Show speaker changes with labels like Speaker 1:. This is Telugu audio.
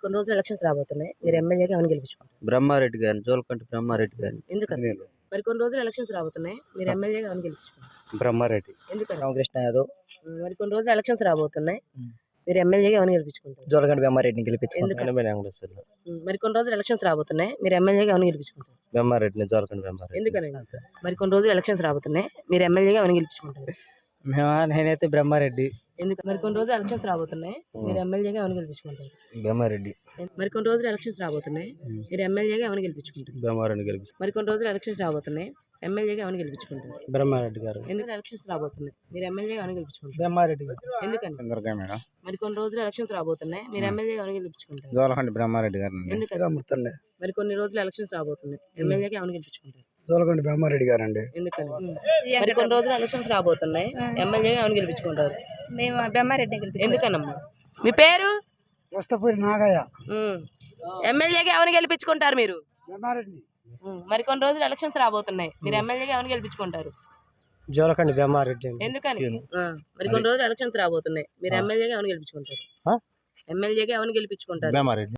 Speaker 1: కొన్ని రోజులు ఎలక్షన్స్ రాబోతున్నాయి. మీరు ఎమ్మెల్యేగా ఎవరిని గెలిపించుకుంటారు?
Speaker 2: బ్రహ్మారెడ్డి గారిని, జోలకంటి బ్రహ్మారెడ్డి గారిని.
Speaker 1: ఎందుకని? మరి కొన్ని రోజులు ఎలక్షన్స్ రాబోతున్నాయి. మీరు ఎమ్మెల్యేగా ఎవరిని గెలిపించుకుంటారు?
Speaker 3: బ్రహ్మారెడ్డి.
Speaker 1: ఎందుకని?
Speaker 3: రామకృష్ణ యాదవ్.
Speaker 1: మరి కొన్ని రోజులు ఎలక్షన్స్ రాబోతున్నాయి. మీరు ఎమ్మెల్యేగా ఎవరిని గెలిపించుకుంటారు?
Speaker 3: జోలకంటి బ్రహ్మారెడ్డిని గెలిపించుకుంటారు.
Speaker 1: మరి కొన్ని రోజులు ఎలక్షన్స్ రాబోతున్నాయి. మీరు ఎమ్మెల్యేగా ఎవరిని గెలిపించుకుంటారు?
Speaker 3: బ్రహ్మారెడ్డిని, జోలకంటి బ్రహ్మారెడ్డి.
Speaker 1: ఎందుకని? మరి కొన్ని రోజులు ఎలక్షన్స్ రాబోతున్నాయి. మీరు ఎమ్మెల్యేగా ఎవరిని గెలిపించుకుంటారు?
Speaker 3: నేనైతే బ్రహ్మారెడ్డి.
Speaker 1: ఎందుకు? మరి కొన్ని రోజులు ఎలక్షన్స్ రాబోతున్నాయి. మీరు ఎమ్మెల్యేగా ఎవరిని గెలిపించుకుంటారు?
Speaker 3: బ్రహ్మారెడ్డి.
Speaker 1: మరి కొన్ని రోజులు ఎలక్షన్స్ రాబోతున్నాయి. మీరు ఎమ్మెల్యేగా ఎవరిని గెలిపించుకుంటారు?
Speaker 3: బ్రహ్మారెడ్డి గెలిపించు.
Speaker 1: మరి కొన్ని రోజులు ఎలక్షన్స్ రాబోతున్నాయి. ఎమ్మెల్యేగా ఎవరిని గెలిపించుకుంటారు?
Speaker 3: బ్రహ్మారెడ్డి గారు.
Speaker 1: ఎందుకు ఎలక్షన్స్ రాబోతున్నాయి. మీరు ఎమ్మెల్యేగా ఎవరిని గెలిపించుకుంటారు?
Speaker 3: బ్రహ్మారెడ్డి గారు.
Speaker 1: ఎందుకని?
Speaker 3: మేడం.
Speaker 1: మరి కొన్ని రోజులు ఎలక్షన్స్ రాబోతున్నాయి. మీరు ఎమ్మెల్యేగా ఎవరిని గెలిపించుకుంటారు?
Speaker 3: జోలకంటి బ్రహ్మారెడ్డి గారు.
Speaker 1: ఎందుకని? మరి కొన్ని రోజులు ఎలక్షన్స్ రాబోతున్నాయి. ఎమ్మెల్యేగా ఎవరిని గెలిపించుకుంటారు?
Speaker 3: జోలకంటి బ్రహ్మారెడ్డి గారు అండి.
Speaker 1: ఎందుకని? మరి కొన్ని రోజులు ఎలక్షన్స్ రాబోతున్నాయి. ఎమ్మెల్యేగా ఎవరిని గెలిపించుకుంటారు?
Speaker 4: మేము బ్రహ్మారెడ్డి గెలిపించుకుంటాం.
Speaker 1: ఎందుకనమ్మా? మీ పేరు?
Speaker 3: వస్తపూరి నాగయ్య.
Speaker 1: ఎమ్మెల్యేగా ఎవరిని గెలిపించుకుంటారు మీరు?
Speaker 3: బ్రహ్మారెడ్డి.
Speaker 1: మరి కొన్ని రోజులు ఎలక్షన్స్ రాబోతున్నాయి. మీరు ఎమ్మెల్యేగా ఎవరిని గెలిపించుకుంటారు?
Speaker 3: జోలకంటి బ్రహ్మారెడ్డి.
Speaker 1: ఎందుకని? మరి కొన్ని రోజులు ఎలక్షన్స్ రాబోతున్నాయి. మీరు ఎమ్మెల్యేగా ఎవరిని గెలిపించుకుంటారు? ఎమ్మెల్యేగా ఎవరిని గెలిపించుకుంటారు?
Speaker 3: బ్రహ్మారెడ్డి.